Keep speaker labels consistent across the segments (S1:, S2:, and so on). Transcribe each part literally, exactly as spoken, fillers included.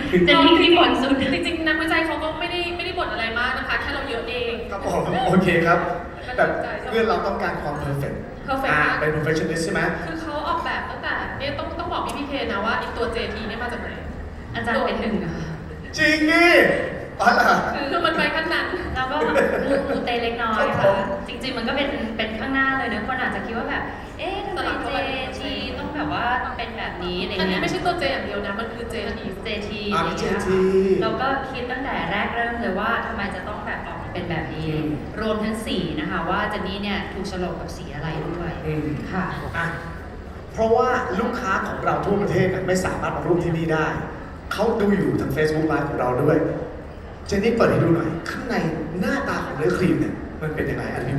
S1: เจนนี่ที่บ่นสุด
S2: จริงๆนักวิจัยเขาก็ไม่ได้ไม่ได้บ่นอะไรมากนะคะแค่เราเยอะเอง
S3: ครับผมโอเคครับแต่เพื่อนเราต้องการความเพอร์เฟกต์
S2: perfect
S3: อ่าม
S2: าก
S3: เป็น perfectionist ใช่ไหม
S2: คือเขาออกแบบตั้งแต่เนี่ยต้องต้องบอกพี่พีเคนะว่าไอีตัว เจ ที เนี่ยมาจากไหน
S1: อาจารย์เป็นหนึ่งนะคะ
S3: จริงนี่อ๋อเหรอ
S2: คือมันไปขั้นนั้น
S1: แล้วก็มูมูเตเล็กน้อย
S3: ครั
S1: ค่ะ
S3: บผม
S1: จริงๆมันก็เป็นเป็นข้างหน้าเลยนะคนอาจจะคิดว่าแบบเอ๊ะทำไมเจทีต้องแบบว่าเป็นแบบนี้อะไร
S2: อันนี้
S1: เงี้ย
S2: ไม่ใช่ตัว J อย่างเดียวนะมันคือ เจ ที
S1: เจที
S3: อ่ามี เจ ที
S1: เราก็คิดตั้งแต่แรกเริ่มเลยว่าทำไมจะต้องแบบออกมาเป็นแบบนี้
S3: อืม
S1: รวมทั้งสีนะคะว่าเจนนี่เนี่ยถูกโฉลกกับสีอะไรด้วย
S3: อืม
S1: ค่ะ
S3: อ่ะเพราะว่าลูกค้าของเราทั่วประเทศเนี่ยไม่สามารถมาร่วมที่นี่ได้ เขาดูอยู่ทาง Facebook Live ของเราด้วย เจนนี่เปิดให้ดูหน่อย ข้างในหน้าตาของเนื้อครีมเนี่ยมันเป็นยังไงอันนี้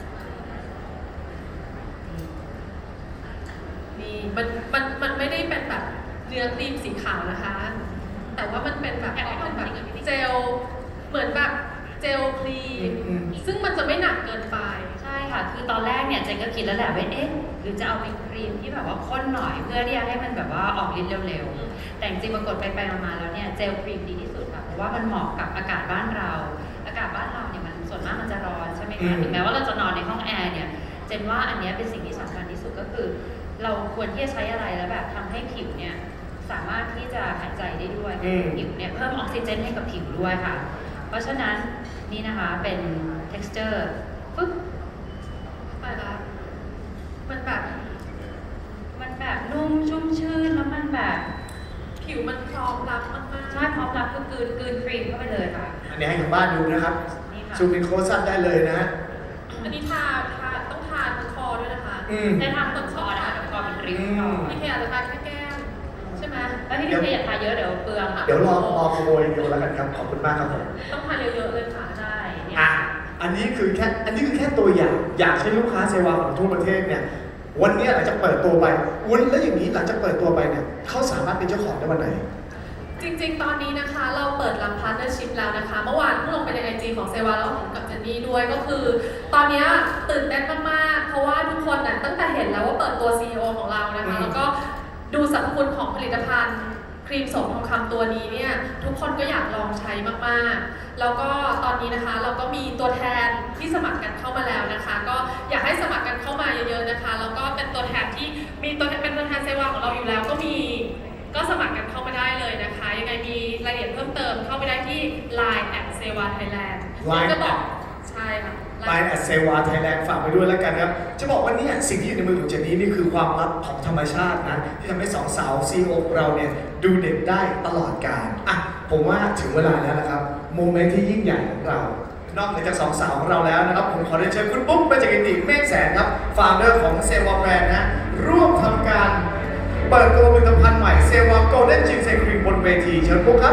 S2: นี่มันมันมันไม่ได้เป็นแบบเนื้อครีมสีขาวนะคะ แต่ว่ามันเป็นแบบออกเป็นแบบเจลเหมือนแบบเจลครีม
S3: อืม
S2: ซึ่งมันจะไม่หนักเกินไป
S1: ใช่ค่ะ คือตอนแรกเนี่ยเจนก็คิดแล้วแหละว่าเอ๊ะหรือจะเอาเป็นครีมที่แบบว่าข้นหน่อยเพื่อที่จะให้มันแบบว่าออกฤทธิ์เร็วๆ แต่จริงๆปรากฏไปไปๆมาๆแล้วเนี่ยเจลครีมดีที่สุดค่ะ เพราะว่ามันเหมาะกับอากาศบ้านเรา อากาศบ้านเราเนี่ยมันส่วนมากมันจะร้อนใช่ไหม
S3: อื
S1: คะ
S3: ม
S1: ถึงแม้ว่าเราจะนอนในห้องแอร์เนี่ย เจนว่าอันเนี้ยเป็นสิ่งที่สำคัญที่สุดก็คือ เราควรที่จะใช้อะไรแล้วแบบทำให้ผิวเนี่ยสามารถที่จะหายใจได้ด้วย
S3: อืม
S1: ผิวเนี่ยเพิ่มออกซิเจนให้กับผิวด้วยค่ะ เพราะฉะนั้นนี่นะคะเป็น texture ปึ๊บ
S2: ไปละมันแบบ
S1: มันแบบนุ่มชุ่มชื่นแล้วมันแบบ
S2: ผิวมันพร้อมรับมากๆ
S1: ใช่พร้อมรับคือกลืนกลืนครีมเข้าไปเลยค่ะ
S3: อันนี้ให้ทางบ้านดูนะครับ
S1: นี่ค่ะ
S3: ซูมอินโคซันได้เลยนะ
S2: อันนี้ทาทาต้องทาทั้งคอด้วยนะคะ
S3: อืม
S1: ได้ทำต้นคอนะคะกับคอเป็นริ้วคอ
S2: พี่เคอาจจะทาแค่แก้มใช่ไหม
S1: แล้วที่พี่เคอยากทาเยอะเดี๋ยวเปลืองค่ะ
S3: เดี๋ยวรอรอขโมยเดียวแล้วกันครับ ขอบคุณมากครับผม
S2: ต้องทาเยอะๆเลยค่ะ
S1: ใช่เนี่ย
S3: อ่ะ อันนี้คือแค่ อันนี้คือแค่ตัวอย่าง อยากให้ลูกค้าเซวาของทั่วประเทศเนี่ย วันนี้หลังจากเปิดตัวไปวันแล้วอย่างนี้หลังจากเปิดตัวไปเนี่ยเขาสามารถเป็นเจ้าของได้วันไหน
S2: จริงๆ ตอนนี้นะคะเราเปิดรับพาร์ทเนอร์ชิพแล้วนะคะ เมื่อวานเพิ่งลงไปในไอจีของเซวาแล้วกับเจนนี่ด้วยก็คือ ตอนนี้ตื่นเต้นมากๆ เพราะว่าทุกคนน่ะตั้งแต่เห็นแล้วว่าเปิดตัว ซี อี โอ ของเรานะคะ แล้วก็ดูสรรพคุณของผลิตภัณฑ์ครีมโสมทองคำตัวนี้เนี่ยทุกคนก็อยากลองใช้มากๆ แล้วก็ตอนนี้นะคะเราก็มีตัวแทนที่สมัครกันเข้ามาแล้วนะคะ ก็อยากให้สมัครกันเข้ามาเยอะๆนะคะ แล้วก็เป็นตัวแทนที่มีตัวแทนเป็นตัวแทนเซวาของเราอยู่แล้วก็มี ก็สมัครกันเข้ามาได้เลยนะคะ ยังไงมีรายละเอียดเพิ่มเติมเข้าไปได้ที่ ไลน์ แอท เซวา ไทยแลนด์
S3: Line
S2: จะบอกใช่ค่ะ
S3: ไลน์แอดเซวาไทยแลนด์ฝากไปด้วยแล้วกันครับ จะบอกว่าเนี่ยสิ่งที่อยู่ในมือของเจนนี่นี่คือความลับของธรรมชาตินะ ที่ทำให้สองสาวซีโอของเราเนี่ยดูเด็กได้ตลอดกาลอ่ะผมว่าถึงเวลาแล้วนะครับ โมเมนต์ที่ยิ่งใหญ่ของเรา นอกเหนือจากสองสาวของเราแล้วนะครับ ผมขอเรียนเชิญคุณปุ๊บเบญจกิติเมฆแสนครับฟาวเดอร์ของเซวาแบรนด์นะร่วมทำการเปิดตัวผลิตภัณฑ์ใหม่เซวาโกลเด้นจินเซครีมบนเวทีเชิญปุ๊บครับ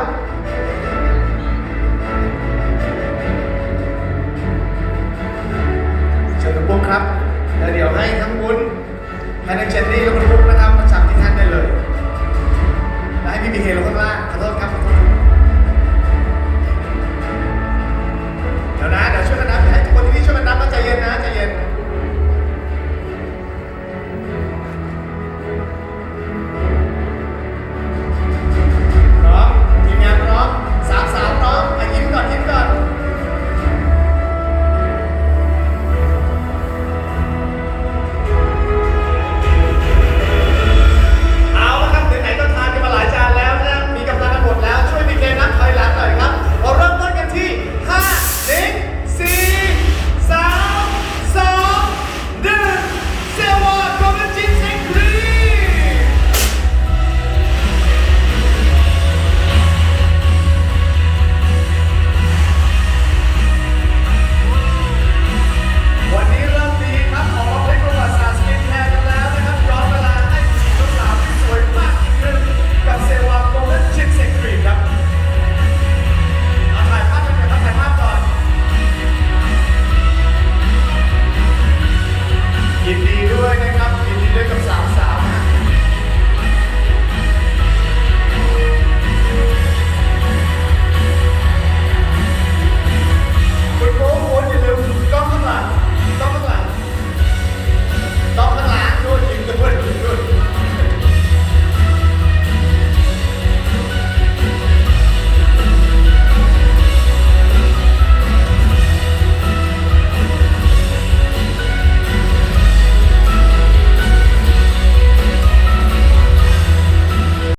S3: เชิญคุณปุ๊กครับ แล้วเดี๋ยวให้ทั้งวุ้นให้ทั้งเจนนี่และคุณปุ๊กนะครับมาจับที่ท่านได้เลย แล้วให้พี่พีเคลงข้างล่าง